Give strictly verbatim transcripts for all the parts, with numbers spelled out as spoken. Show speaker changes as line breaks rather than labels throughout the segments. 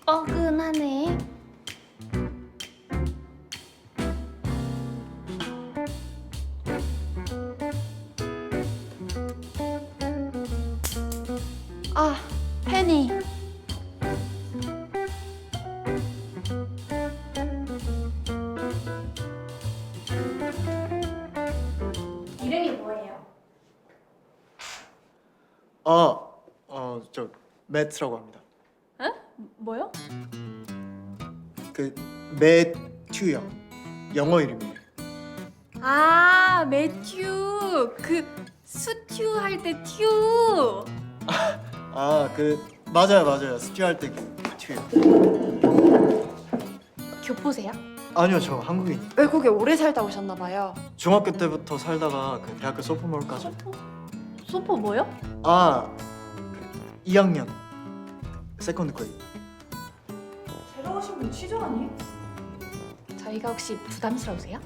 뻐근하네.
아, penny.
이름이 뭐예요?
아, 어, 저 매트라고 합니다.
에? 뭐요?
그 매튜요. 영어 이름이에요.
아, 매튜. 그 수튜 할 때 튜.
아, 그 맞아요, 맞아요. 스튜 할때 그 튜요.
교포세요?
아니요, 저 한국인.
외국에 오래 살다 오셨나 봐요.
중학교 때부터 살다가 그 대학교 소포몰까지.
소포? 소포 뭐요?
아, 이 학년 세컨드 거의.
새로 오신 분 취조 아니?
저희가 혹시 부담스러우세요?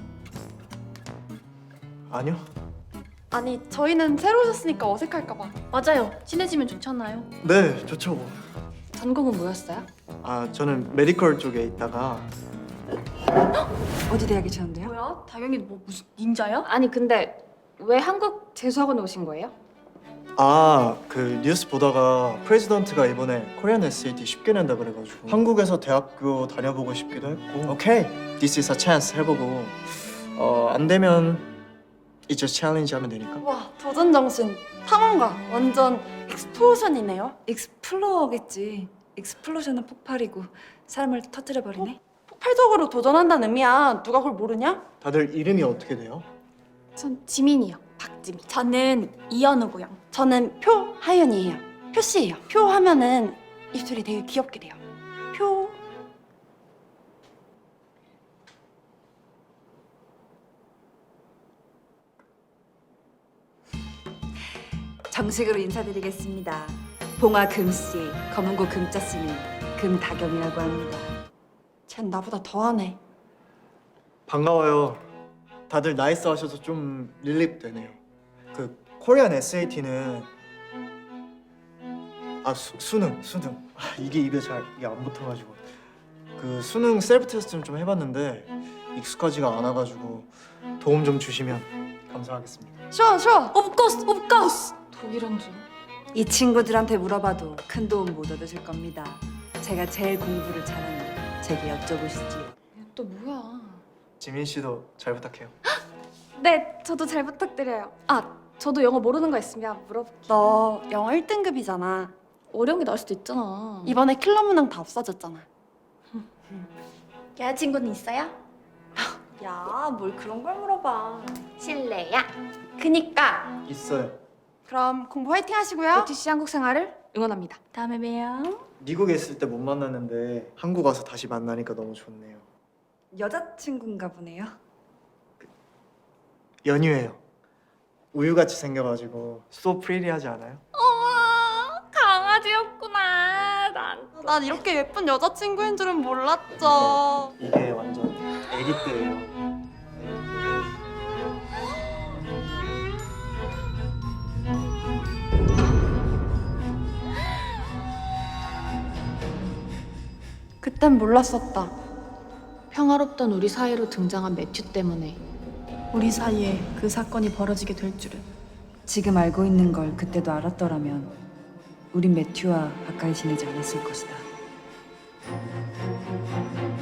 아니요.
아니, 저희는 새로 오셨으니까 어색할까 봐.
맞아요. 친해지면 좋잖아요.
네, 좋죠.
전공은 뭐였어요?
아, 저는 메디컬 쪽에 있다가
어디 대학에 쳤는데요?
뭐야? 당연히 뭐 무슨 닌자야? 아니 근데 왜 한국 재수학원에 오신 거예요?
아, 그 뉴스 보다가 프레지던트가 이번에 코리안 에스에이티 쉽게 낸다 그래가지고 한국에서 대학교 다녀보고 싶기도 했고 오케이, this is a chance 해보고 어, 안 되면 이제 챌린지 하면 되니까.
와, 도전 정신, 탐험가, 완전 익스플로전이네요.
익스플로어겠지. 익스플로전은 폭발이고 사람을 터뜨려 버리네.
폭발적으로 도전한다는 의미야. 누가 그걸 모르냐?
다들 이름이 어떻게 돼요?
전 지민이요. 박지민. 저는 이현우고요.
저는 표하연이에요. 표씨예요. 표 하면은 입술이 되게 귀엽게 돼요. 표.
정식으로 인사드리겠습니다. 봉화 금씨, 검은고 금자 쓰는 금다경이라고 합니다.
쟨 나보다 더하네.
반가워요. 다들 나이스 하셔서 좀 릴립 되네요. 그 코리안 에스에이티는 아 수, 수능 수능 아, 이게 입에 잘 이게 안 붙어가지고 그 수능 셀프 테스트는 좀 해봤는데 익숙하지가 않아가지고 도움 좀 주시면 감사하겠습니다.
쉬워, 쉬워.
오브코스, 오브코스. 독일한 줄.
이 친구들한테 물어봐도 큰 도움 못 얻으실 겁니다. 제가 제일 공부를 잘하는 제게 여쭤보시지요.
또 뭐야?
지민 씨도 잘 부탁해요.
네, 저도 잘 부탁드려요. 아, 저도 영어 모르는 거 있으면 물어볼게요.
너 영어 일 등급이잖아.
어려운 게 나올 수도 있잖아.
이번에 킬러 문항 다 없어졌잖아.
여자친구는 있어요?
야, 뭘 그런 걸 물어봐.
실례야.
그니까.
있어요.
그럼 공부 화이팅 하시고요.
배티씨 한국 생활을 응원합니다. 다음에 봬요.
미국에 있을 때 못 만났는데 한국 와서 다시 만나니까 너무 좋네요.
여자친구인가 보네요.
연유예요. 우유같이 생겨가지고 so pretty하지 않아요?
어머, 강아지였구나. 난.
난 이렇게 예쁜 여자친구인 줄은 몰랐죠.
이게 완전 애기 때예요.
그땐 몰랐었다.
평화롭던 우리 사이로 등장한 매튜 때문에
우리 사이에 그 사건이 벌어지게 될 줄은.
지금 알고 있는 걸 그때도 알았더라면 우린 매튜와 가까이 지내지 않았을 것이다.